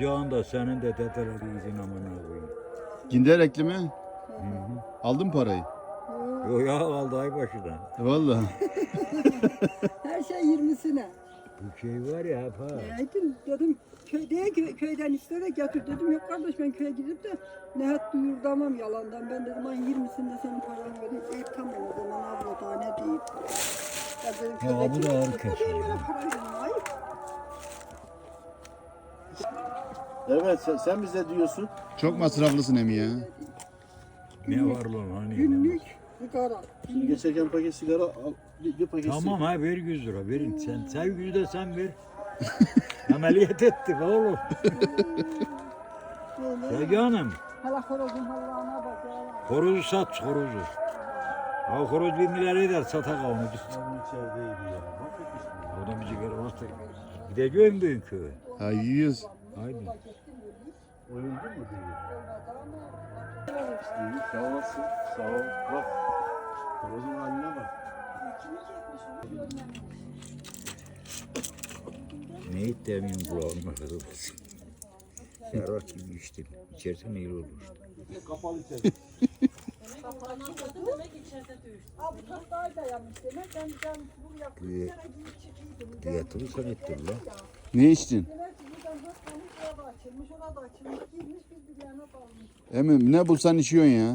Amcanın da senin de dedeleri izin amına koyayım. Ginderekli mi? Aldın mı parayı? Yok ya aldı ay başından. Vallahi. Her şey 20'sine. Bu şey var ya hep ha. Dedim köyden işte de getir dedim. Yok kardeş ben köye gidip de Nehat duyurdamam yalandan. Ben dedim ay 20'sinde senin paranı vereyim. Tamam o zaman abla daha ne diyeyim. Ya dedim, Ya bu da ağır kesiyor. kesiyor. Para verin ay. Evet sen bize diyorsun. Çok masraflısın emi ya. Ne var lan hani? Günlük sigara. Şimdi geçerken paket sigara al. Bir paket Tamam ha ver 100 lira verin. Sen 100 de sen ver. Ameliyat ettik oğlum. Sevgi Hanım. Hala horozun Allah'ına bak ya. Horozu sat horozu. Ha horoz 1 milyar eder satak onu. sigara içerideydi ya. Bak Oradan bir sigara olsa gideceğim büyük köye. Ha yiyoruz. Haydi. Oyuldun mu diye. İyi sağ olasın. Sağ ol. Bak. Horozun haline bak. Ne ittiğimin kulağıma kadar. Serhat gibi içtim. İçersen iyi olur işte. Kapalı içeride. Abi bu tahtayı da yanmış demek. Ben bunu yaptım. Bir kere giyip çıkıyordum. Diyatını sen ettin lan. Ne içtin? Demek ki buradan 4 tane şuraya da açılmış, ona da açılmış. Girmiş bir yana dalmış. Emi ne bulsan içiyorsun ya.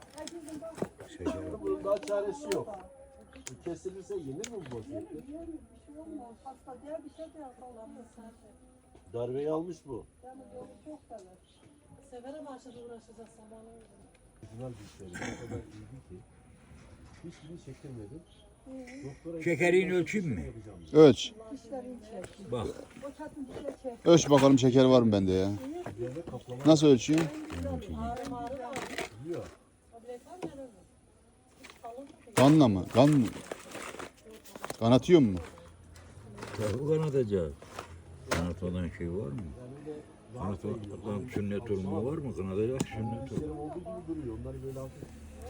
Bunun daha çaresi yok. Bu kesilirse yenir mi bu vaziyette? Bir şey olmaz. Hasta diye bir şey de yapalım. Darbeyi almış bu. Yani yolu çok sever. Severe başladı uğraşacağız zamanı. Güzel bir şey. O kadar iyiydi ki. Hiçbirini çektirmedim. Doktora Şekerini ölçeyim mi? Ölç. Dişlerini çek. Bak. O çatın dişle çek. Ölç bakalım şeker var mı bende ya. Nasıl ölçüyorsun? Ağrı var. yiyor. Kanla mı? Kan mı? Kan atıyor mu? Tabii kanatacak. Kanatmadan şey var mı? Kanatmadan sünnet olma var mı? Kanatacak sünnet olma. Serum olduğu gibi duruyor. Onları böyle aldım.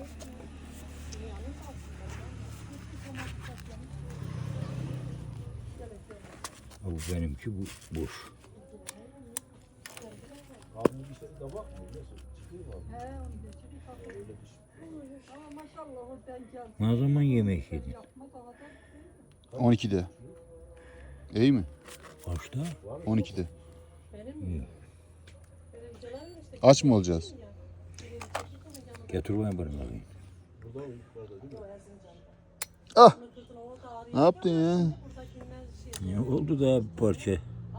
Ha, bu benimki bu boş. Abi bir şey de bakmıyor. Nasıl? Çıkıyor mu abi? He onu da çekip Ama maşallah o denk geldi. Ne zaman yemek yedin? Yapma daha da. 12'de. İyi mi? Kaçta? 12'de. İyi. Aç mı olacağız? Getir bana bakayım. Ah! Ne yaptın ya? Ne oldu da bir parça?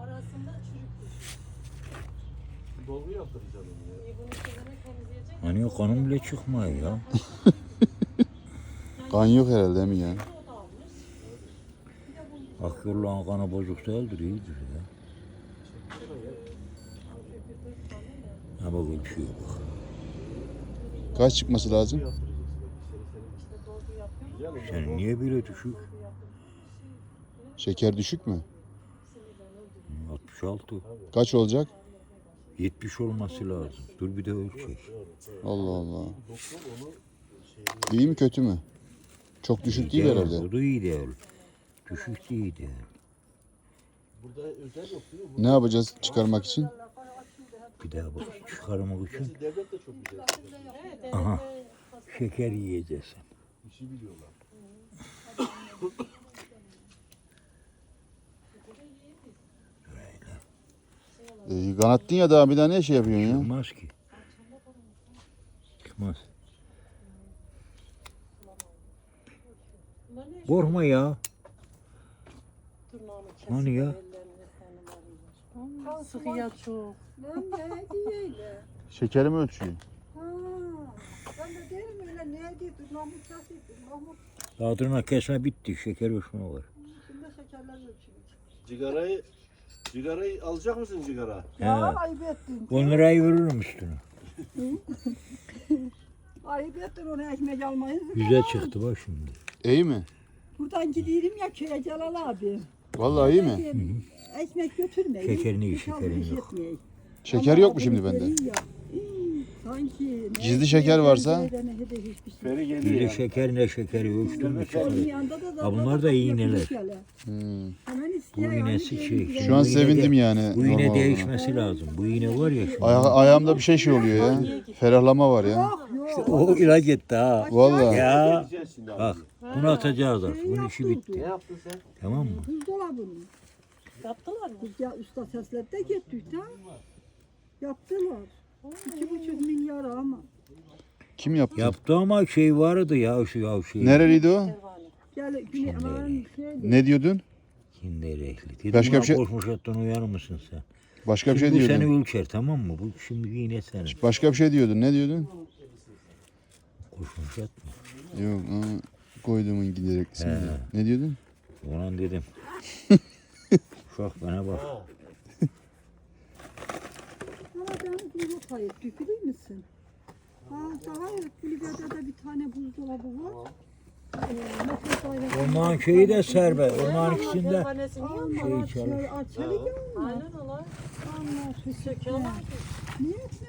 Dolgu yaptıracağım onu ya. Hani kanım bile çıkmıyor ya. Kan yok herhalde mi ya? Akıllı kanı bozuk değildir, iyidir ya. Ha bak öyle bir şey yok. Kaç çıkması lazım? Sen niye böyle düşük? Şeker düşük mü? 66. Kaç olacak? 70 olması lazım. Dur bir de ölçek. Allah Allah. İyi mi kötü mü? Çok düşük değil herhalde. O da iyi değil. Düşük değil değil. Burada özel yok değil mi? Ne yapacağız çıkarmak için? Bir daha bak çıkarmak için. Devlet de çok güzel. Aha. Şeker yiyeceksin. Bir şey biliyorlar. Kanattın ya daha bir daha ne şey yapıyorsun ya? Çıkmaz ki. Çıkmaz. Korkma ya. Hani ya? Sıkıya çok. Lan ne diyeyle? Şekeri mi ölçüyor? Ha. Ben de derim öyle ne diye Mahmut nasıl Mahmut Tadına kesme bitti. Şeker ölçme var. şimdi şekerler ölçüyor. Cigarayı alacak mısın cigara? Ya He. ayıp ettin. 10 lirayı veririm üstüne. Ayıp ettin onu ekmek almayı. Güzel çıktı bak şimdi. İyi mi? Buradan gidiyorum ya köye Celal abi. Vallahi iyi mi? Ekmek götürmeyin. Şekerini iyi, Hiç şekerini almış yok. etmeyin. Şeker Ama yok mu şimdi abimiz bende? veriyor ya. Sanki Gizli şeker varsa? Feri Bir geliyor de ya. şeker ne şekeri ölçtün mü Onun çıkar. yanında da Ha, bunlar da iğneler. Hmm. Hemen istiyor Bu yani, iğnesi benim şey. Şu an Bu iğne sevindim de- yani. Bu iğne normal olduğuna. değişmesi lazım. Bu iğne var ya şu. Ayağımda bir şey oluyor ya. Ferahlama var ya. Yok yok. O ilaç etti ha. Vallahi. Ya Gideceğiz şimdi abi. bak bunu atacağız artık. Bunun işi bitti. Ne yaptın sen? Tamam mı? Buzdolabını. Yaptılar mı? Biz ya usta seslerde gittik ha. Yaptılar. 2,5 milyar ama. Kim yaptı? Yaptı ama şey vardı ya şu şey. Nereliydi o? Pervane. Gel güney aman şeydi. Ne diyordun? Kinderekli. Dedim Başka bir şey- Koşmuş attın uyanır mısın sen? Başka bir Şimdi şey bu seni diyordun. ölçer tamam mı? Bu şimdi yine senin. Başka bir şey diyordun. Ne diyordun? Koşmuş atma. Yok. Koyduğumun gidereklisin diye. Ne diyordun? Ulan dedim. Uşak bana bak. Ama ben bunu payet dökülür müsün? Ha daha kulübede de bir tane buzdolabı var. Onların şeyi de serbest. Onların ikisinde Pervanesini yiyor mu? şey çalış. Açalı gelmiyor. Aynen ola. Allah Söküyorlar ki. Niye